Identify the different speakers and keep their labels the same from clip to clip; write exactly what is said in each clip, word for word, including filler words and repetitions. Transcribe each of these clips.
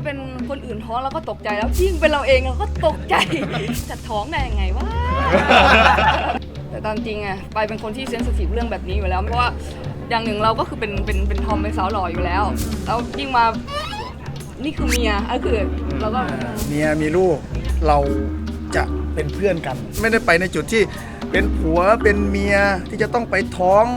Speaker 1: เป็นคนอื่นท้องเราก็ตกใจแล้วยิ่งเป็นเราเองเราก็ตกใจจะท้องได้ยังไงวะแต่ตามจริงอะไปเป็นคนที่เซนซิทีฟเรื่องแบบนี้อยู่แล้วเพราะว่าอย่างหนึ่งเราก็คือเป็นเป็นเป็นทอมเป็นสาวหล่ออยู่แล้วแล้วยิ่งมานี่คือเมียก็คือเราก็
Speaker 2: เมียมีลูกเราจะเป็นเพื่อนกัน ไม่ได้ไปในจุดที่เป็นผัวเป็นเมียที่จะต้องไปท้อง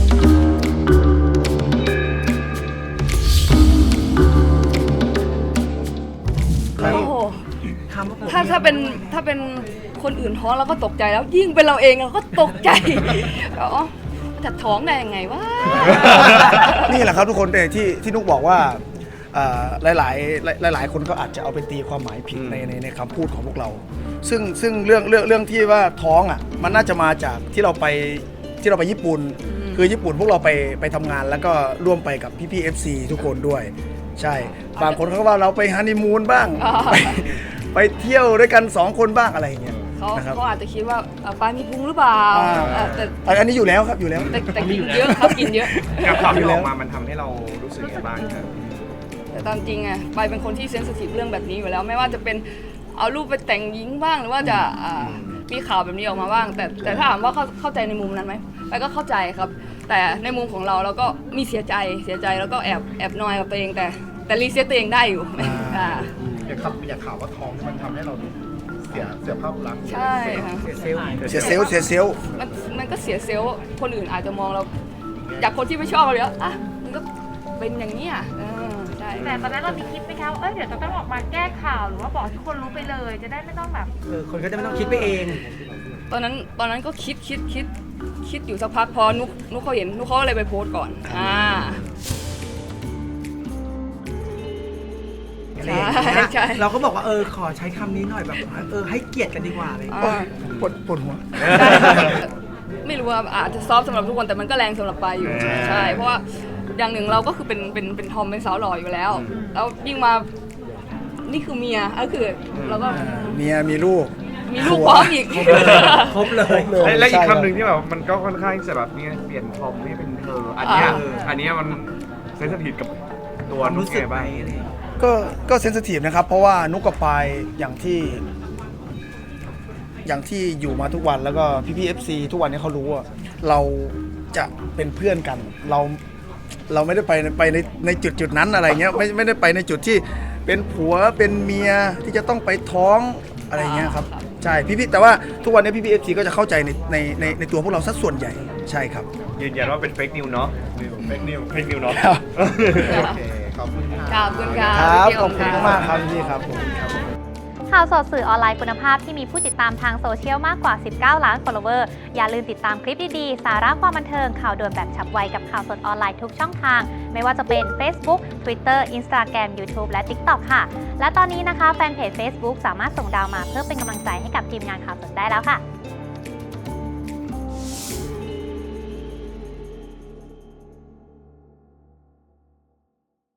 Speaker 1: โอ้โหถ้าถ้าเป็นถ้าเป็นคนอื่นท้องเราก็ตกใจแล้วยิ่งเป็นเราเองเราก็ตกใจอ๋อจะท้องได้ยังไงวะ
Speaker 2: นี่แหละครับทุกคนที่ที่นุกบอกว่าหลายหลายหลายหลายคนก็อาจจะเอาไปตีความหมายผิดในในในคำพูดของพวกเราซึ่งซึ่งเรื่องเรื่องเรื่องที่ว่าท้องอ่ะมันน่าจะมาจากที่เราไปที่เราไปญี่ปุ่นคือญี่ปุ่นพวกเราไปไปทำงานแล้วก็ร่วมไปกับพี่พี่เอฟซีทุกคนด้วยใช่บางคนเขาว่าเราไปฮันนีมูนบ้างไปไปเที่ยวด้วยกันสองคนบ้างอะไรอย่างเงี้ย
Speaker 1: เขาเขาอาจจะคิดว่าปลามีพุงหรือเปล่า
Speaker 2: แต่อันนี้อยู่แล้วครับอยู่แล้ว
Speaker 1: แต่แต่กินเยอะครับกินเยอะ
Speaker 3: กับความที่ออกมามันทำให้เรารู้สึกยังไงบ้างครับ
Speaker 1: แต่ตามจริงอะไปเป็นคนที่เซนซิทีฟเรื่องแบบนี้อยู่แล้วไม่ว่าจะเป็นเอารูปไปแต่งหญิงบ้างหรือว่าจะมีข่าวแบบนี้ออกมาบ้างแต่แต่ถ้าถามว่าเข้าเข้าใจในมุมนั้นไหมไปก็เข้าใจครับแต่ในมุมของเราเราก็มีเสียใจเสียใจแล้วก็แอบแอบนอยกับตัวเองแต่แต่รีเซ็ตตัวเองได้อยู่
Speaker 3: อย่าขับอย่าข่าวว่าท้องมันทำให้เราเสียเสียภาพลักษณ์
Speaker 1: ใช่ค่ะ
Speaker 2: เสียเซลล์เสียเซลล์เสียเซลล์
Speaker 1: มันมันก็เสียเซลล์คนอื่นอาจจะมองเราจากคนที่ไม่ชอบเราเลยอ่ะมันก็เป็นอย่างนี้อ่ะใช่
Speaker 4: แต่ตอนนั้นเรามีคิดไหมคะว่าเอ้ยเดี๋ยวจะต้องออกมาแก้ข่าวหรือว่าบอกให้คนรู้ไปเลยจะได้ไม่ต้องแบบ
Speaker 5: เออคนก็จะไม่ต้องคิดไปเอง
Speaker 1: ตอนนั้นตอนนั้นก็คิดคิดคิดคิดอยู่สักพักพอนุกนุกเขาเห็นนุกเขาเลยไปโพสต์ก่อนอ่า
Speaker 5: ใช่ใช่เราก็บอกว่าเออขอใช้คำนี้หน่อยแบบเออให้เกียรติกันดีกว่าเลย
Speaker 2: ปวดปวดหัว
Speaker 1: ไม่รู้ว่าอาจจะซอฟสำหรับทุกคนแต่มันก็แรงสำหรับปายอยู่ใช่เพราะว่าอย่างหนึ่งเราก็คือเป็นเป็นเป็นทอมเป็นสาวหล่ออยู่แล้วแล้วยิ่งมานี่คือเมียก็คือเราก็
Speaker 2: เมียมีลูก
Speaker 1: มีลูกพร้อมอีก
Speaker 5: ครบเลย
Speaker 3: และอีกคำหนึ่งที่แบบมันก็ค่อนข้างจะแบบนี้เปลี่ยนทอมให้เป็นเธออันนี้อันนี้มันเซนซิทีฟกับตัวนุ๊กไงบ้าง
Speaker 2: ก็ก็เซนซิทีฟนะครับเพราะว่านุกกับปายอย่างที่อย่างที่อยู่มาทุกวันแล้วก็พี่พี่เอฟซีทุกวันนี้เขารู้ว่าเราจะเป็นเพื่อนกันเราเราไม่ได้ไปไปในในจุดจุดนั้นอะไรเงี้ยไม่ไม่ได้ไปในจุดที่เป็นผัวเป็นเมียที่จะต้องไปท้องอะไรเงี้ยครับใช่พี่พี่แต่ว่าทุกวันนี้พี่พี่เอฟซีก็จะเข้าใจในในในในตัวพวกเราสัดส่วนใหญ่ใช่ครับ
Speaker 3: ยืนยันว่าเป็นเฟกนิวเนาะเฟกนิวเฟกนิวเนาะ
Speaker 1: ขอบคุณค่ะขอบคุณค่ะ
Speaker 2: ครับขอบคุณมากครับพี่ครับ
Speaker 4: ข่าวสดสื่อออนไลน์คุณภาพที่มีผู้ติดตามทางโซเชียลมากกว่าสิบเก้าล้าน follower อย่าลืมติดตามคลิปดีๆสาระความบันเทิงข่าวด่วนแบบฉับไวกับข่าวสดออนไลน์ทุกช่องทางไม่ว่าจะเป็น Facebook Twitter Instagram YouTube และ TikTok ค่ะและตอนนี้นะคะแฟนเพจ Facebook สามารถส่งดาวมาเพื่อเป็นกำลังใจให้กับทีมงานข่าวสดได้แล้วค่ะ